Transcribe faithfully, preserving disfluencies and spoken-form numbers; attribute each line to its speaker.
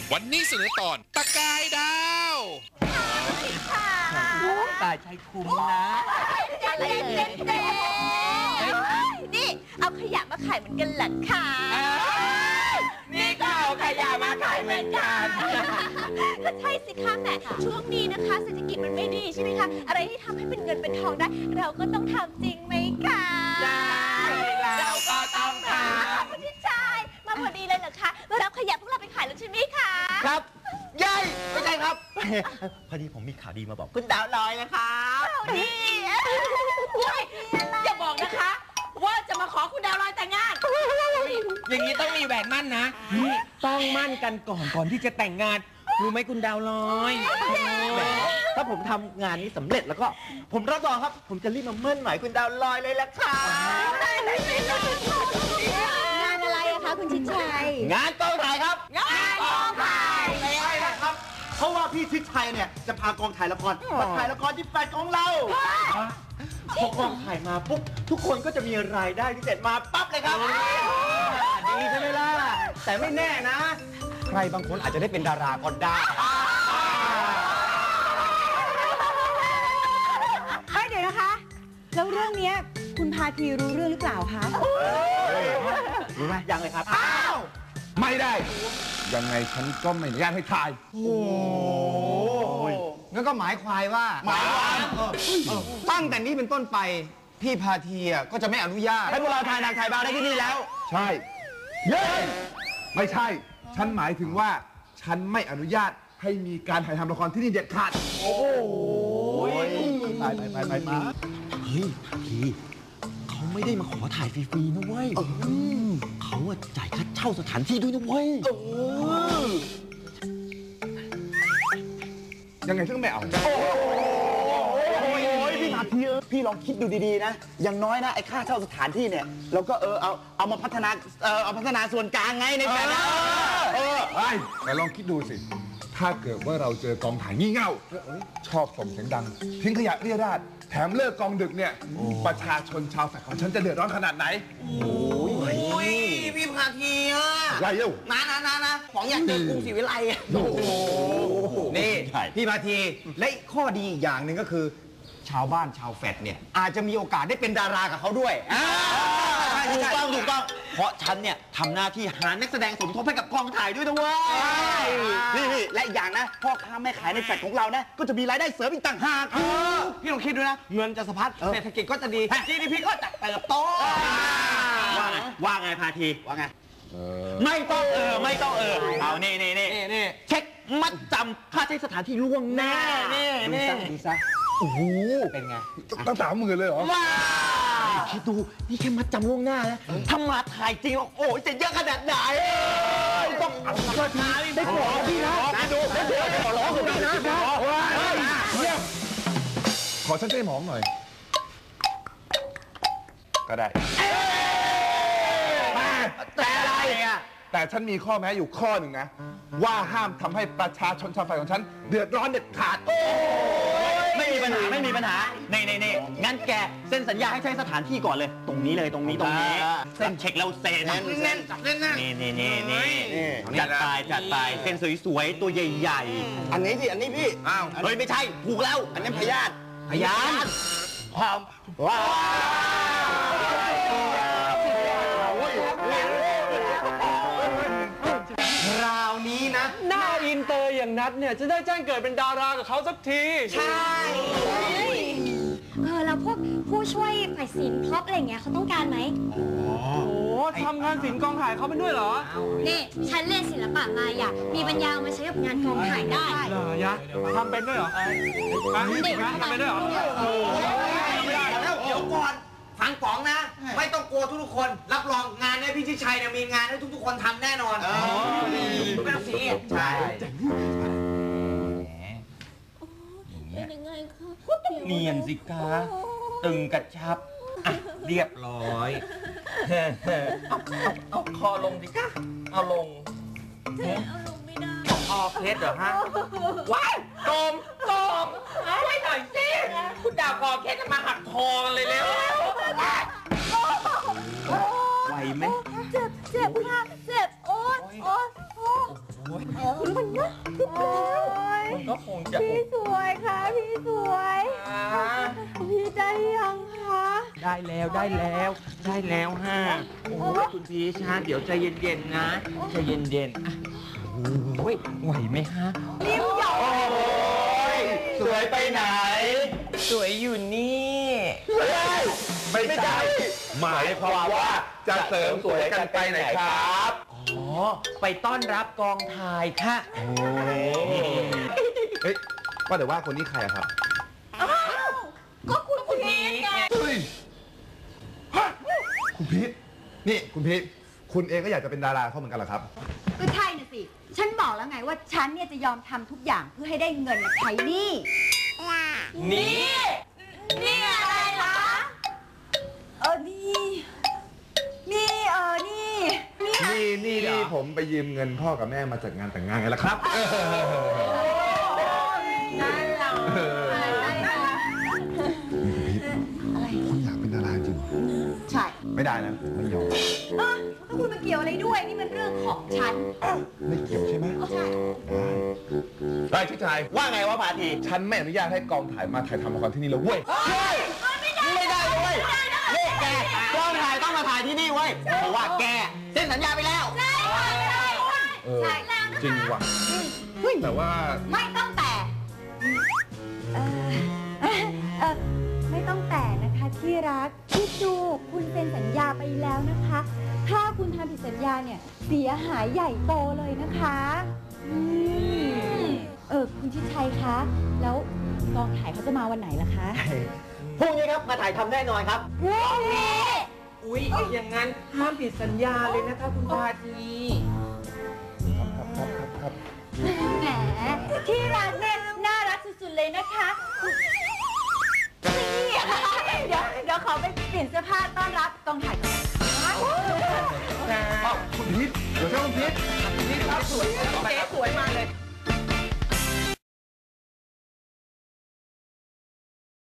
Speaker 1: วันนี้เสนอตอนตะกายดาว
Speaker 2: ตายใจคุ้มนะ
Speaker 3: อะไรเด็ดๆนี่เอาขยะมาขายเหมือนกันหรอคะ
Speaker 2: นี่ก็เอาขยะมาขายเหมือนกัน
Speaker 3: ก็ใช่สิคะแหมช่วงนี้นะคะเศรษฐกิจมันไม่ดีใช่ไหมคะอะไรที่ทำให้เป็นเงินเป็นทองได้เราก็ต้องทำจริงไหมคะ
Speaker 2: ใช่เราก็ต้องทำ
Speaker 3: คุณชายมาพอดีเลยเหรอคะมารับขยะพวกเราไปขายแล้วใช่ไหมคะ
Speaker 2: ครับยัยไม่ใช่ครับพอดีผมมีข่าวดีมาบอกคุณดาวลอยนะครับ
Speaker 3: ข่าวดี
Speaker 4: อย่าบอกนะคะว่าจะมาขอคุณดาวลอยแต่งงาน
Speaker 2: อย่างนี้ต้องมีแหวนมั่นนะต้องมั่นกันก่อนก่อนที่จะแต่งงานรู้ไหมคุณดาวลอยถ้าผมทำงานนี้สำเร็จแล้วก็ผมรับรองครับผมจะรีบมาเมั่นหมายคุณดาวลอยเลยละค่ะ
Speaker 3: งานอะไรอะคะคุณชิดชัย
Speaker 2: งานกองถ่ายครับ
Speaker 3: งานกองถ่าย
Speaker 5: ไม่ใช่นะครับเพราะว่าพี่ชิดชัยเนี่ยจะพากองถ่ายละครมาถ่ายละครที่แฟลตของเรา
Speaker 2: พอกองถ่ายมาปุ๊บทุกคนก็จะมีรายได้ที่เสร็จมาปั๊บเลยครับดีใช่ไหมล่ะแต่ไม่แน่นะใครบางคนอาจจะได้เป็นดาราก็ได้
Speaker 6: เดี๋ยวนะคะแล้วเรื่องนี้คุณพาทีรู้เรื่องหรือเปล่าคะ
Speaker 2: รู้ไหมยังเลยครับ
Speaker 5: อ้าว
Speaker 1: ไม่ได้ยังไงฉันก็ไม่อนุญาตให้ถ่าย
Speaker 2: โอ้ยงั้นก็หมายควายว่า
Speaker 5: หมายว่า
Speaker 2: ตั้งแต่นี้เป็นต้นไปพี่พาทีก็จะไม่อนุญาตให้พวกเราถ่ายหนังถ่ายบาร์ได้ที่นี่แล้ว
Speaker 1: ใช่เย้ไม่ใช่ฉันหมายถึงว่าฉันไม่อนุญาตให้มีการถ่ายทำละครที่นี่เด็ดขาด
Speaker 2: โอ้ย
Speaker 5: ไปไปไปไปไป
Speaker 2: เฮ้ยพี่เขาไม่ได้มาขอถ่ายฟรีๆนะเว้ยเขาจ่ายค่าเช่าสถานที่ด้วยนะเว้ย
Speaker 1: ยังไงฉันก็ไม่เอา
Speaker 5: โอ้ยพี่พาทีพี่ลองคิดดูดีๆนะอย่างน้อยนะไอ้ค่าเช่าสถานที่เนี่ยเราก็เออเอาเอามาพัฒนาเออเอาพัฒนาส่วนกลางไงในแผนนะ
Speaker 1: เออไอ้แต่ลองคิดดูสิถ้าเกิดว่าเราเจอกองถ่ายงี่เง่าชอบส่งเสียงดังทิ้งขยะเรี่ยราดแถมเลิกกองดึกเนี่ยประชาชนชาวแฟลตของฉันจะเดือดร้อนขนาดไหน
Speaker 2: โอ้ยพี่พาทีอ่ะ
Speaker 1: ไรเอ้า
Speaker 2: นะนะนะนะของอยากเจอกรุงศรีวิไลอ่ะโอ้โหนี่พี่พาทีและข้อดีอีกอย่างหนึ่งก็คือชาวบ้านชาวแฟลตเนี่ยอาจจะมีโอกาสได้เป็นดารากับเขาด้วยถูกต้องถูกต้องเพราะฉันเนี่ยทำหน้าที่หานักแสดงสมทบให้กับกองถ่ายด้วยนะเว้ย
Speaker 5: นี่นี่และอย่างนะพ่อค้าแม่ขายในแฟลตของเรานะก็จะมีรายได้เสริมอีกต่างหาก
Speaker 2: พี่ลองคิดดูนะเงินจะสะพัดเศรษฐกิจก็จะดี จี ดี พี ก็จะเติบโตว่าไงว่าไงพาทีว่าไงไม่ต้องเออไม่ต้องเออเอานี่นี่นี่เช็คมัดจำค่าใช้สถานที่ล่วงหน้านี่นี่
Speaker 5: ดูซะ
Speaker 2: โอ้โหเป็นไง
Speaker 1: ตั้งสามหมื่นเลยเหรอ
Speaker 2: ว้าคิดดูนี่แค่มัดจำล่วงหน้านะถ้ามาถ่ายจริงโอ้ยจะเยอะขนาดไหน
Speaker 1: ต้องเอาค่าทีได้ขอพี่นะดูได้เดี๋ยวขอร้องพี่นะขอฉันเต้หมองหน่อยก็ได้
Speaker 2: แต่อะไรอ่ะ
Speaker 1: แต่ฉันมีข้อแม้อยู่ข้อหนึ่งนะว่าห้ามทำให้ประชาชนชาวไฟของฉันเดือดร้อนเด็ดขาด
Speaker 2: ไม่มีปัญหาไม่มีปัญหาเน่เน่เน่งั้นแกเซ็นสัญญาให้ใช้สถานที่ก่อนเลยตรงนี้เลยตรงนี้ตรงนี้เซ็นเช็คแล้วเซ็น
Speaker 5: เน้นเน้น
Speaker 2: นี่นี่นี่นี่จัดไปจัดไปเซ็นสวยๆตัวใหญ่
Speaker 5: ๆอันนี้สิอันนี้พี่
Speaker 2: อ้าวเฮ้ยไม่ใช่ถูกแล้ว
Speaker 5: อันนี้พยาธิ
Speaker 2: พยานความว้าวคราวนี้นะ
Speaker 4: หน้าอินเตอร์อย่างนัดเนี่ยจะได้แจ้งเกิดเป็นดารากับเขาสักที
Speaker 3: ใช่เออแล้วพวกผู้ช่วยฝ่ายศิลป์พร็อพอะไรเงี้ยเขาต้องการไหม
Speaker 4: โอ้โหทำงานศิลป์กองถ่ายเขาเป็นด้วยเหรอ
Speaker 3: นี่ฉันเรียนศิลปะมาอ่ะมีปัญญามาใช้กับงานกองถ่ายได้
Speaker 4: เหรอยะทำเป็นด้วยเหรอนี่ทำเป็นด้วยเหรอ
Speaker 2: เดี๋ยวก่อนฟังป๋องนะไม่ต้องกลัวทุกๆคนรับรองงานเนี่ยพี่ชิดชัยเนี่ยมีงานให้ทุกๆคนทำแน่นอนไม่ต้องซีใช่
Speaker 3: เป็นยังไงคะ
Speaker 2: เนียนสิคะตึงกระชับเรียบร้อยเอาเอาคอลงดิคะเอาลง
Speaker 3: เอาลงไม่ได้
Speaker 2: คอเพชรเหรอฮะว้ายโกมโกมช่วยหน่อยสิคุณดาวคอเพชรมาหักคอกันเลยเร็วไหวไหม
Speaker 3: เจ็บเจ็บค่ะเจ็บโอ๊ยโอ๊ยโอ๊ย
Speaker 6: มันนะมันก็คงจะพี่สวยค่ะพี่สวยพี่ได้ยังคะ
Speaker 4: ได้แล้วได้แล้วได้แล้วฮะโอ้ยคุณพีชฮะเดี๋ยวใจเย็นๆนะใจเย็นๆอ่ะโอ้ยไหวไหมฮะ
Speaker 6: นิ้วหยอก
Speaker 5: สวยไปไหน
Speaker 4: สวยอยู่นี่
Speaker 1: ไม่ใช่หมายความว่าจะเสริมสวยกันไปไหนครับ
Speaker 4: อ๋อ ไปต้อนรับกองถ่ายค่ะ
Speaker 1: เฮ้ยว่าแต่ว่าคนนี้ใครอะครับ
Speaker 6: ก็คุณคุณพีทไง
Speaker 1: เฮ้ยฮะคุณพีทนี่คุณพีทคุณเองก็อยากจะเป็นดาราเขาเหมือนกันเหรอครับ
Speaker 6: ก็ใช่น่ะสิ ฉันบอกแล้วไงว่าฉันเนี่ยจะยอมทำทุกอย่างเพื่อให้ได้เงินมาใช้หนี้
Speaker 4: นี่
Speaker 6: นี่อะไรคะเออนี่นี่เออนี่นี่
Speaker 1: นี่นี่นี่ผมไปยืมเงินพ่อกับแม่มาจัดงานแต่งงานไงล่ะครับ
Speaker 6: นั่นเราอะไรนะ
Speaker 1: นี่คุณพีทคุณอยากเป็นดาราจริงเหรอ
Speaker 6: ใช่
Speaker 1: ไม่ได้นะไม่ยอม
Speaker 6: เออแล้วคุณมาเกี่ยวอะไรด้วย นี่มันเรื่องของฉัน
Speaker 1: ไม่เกี่ยวใช่ไหม
Speaker 6: ใช่
Speaker 1: ได้ชิดชาย
Speaker 5: ว่าไงวะพาที
Speaker 1: ฉันไม่อนุญาตให้กองถ่ายมาถ่ายทำละครที่นี่แล้วเว้ย
Speaker 5: ไม่ได้เว้ยนี่แกกองถ่ายต้องมาถ่ายที่นี่เว้ยเพราะว่าแกเซ็นสัญญาไปแล้ว
Speaker 6: ใช่ค่ะใช่
Speaker 1: เออ
Speaker 6: ใช่แล้วนะ
Speaker 1: จริง
Speaker 6: คะ
Speaker 1: ว่ะแต่ว่า
Speaker 6: ไม่ต้องแต่เออเออไม่ต้องแต่นะคะที่รักพี่จูคุณเซ็นสัญญาไปแล้วนะคะ ถ้าคุณทำผิดสัญญาเนี่ยเสียหายใหญ่โตเลยนะคะอืมเออคุณชิดชัยคะ แล้วกองถ่ายเขาจะมาวันไหนล่ะคะ
Speaker 5: พรุ่งนี้ครับมาถ่ายทำแน่นอนครับ
Speaker 6: พรุ่งนี้
Speaker 4: อุ๊ย อย่างนั้นห้ามผิดสัญญาเลยนะคะคุณพาที
Speaker 6: แหมที่รักเนี่ยน่ารักสุดๆเลยนะคะนี่เดี๋ยวเดี๋ยวขอไปเปลี่ยนเสื้อผ้าต้อนรับกองถ่ายก่อนนะคะ
Speaker 1: อ้าวคุณพีทเดี๋ยวเจ้าคุณพีทคุณพีทครับสวยไป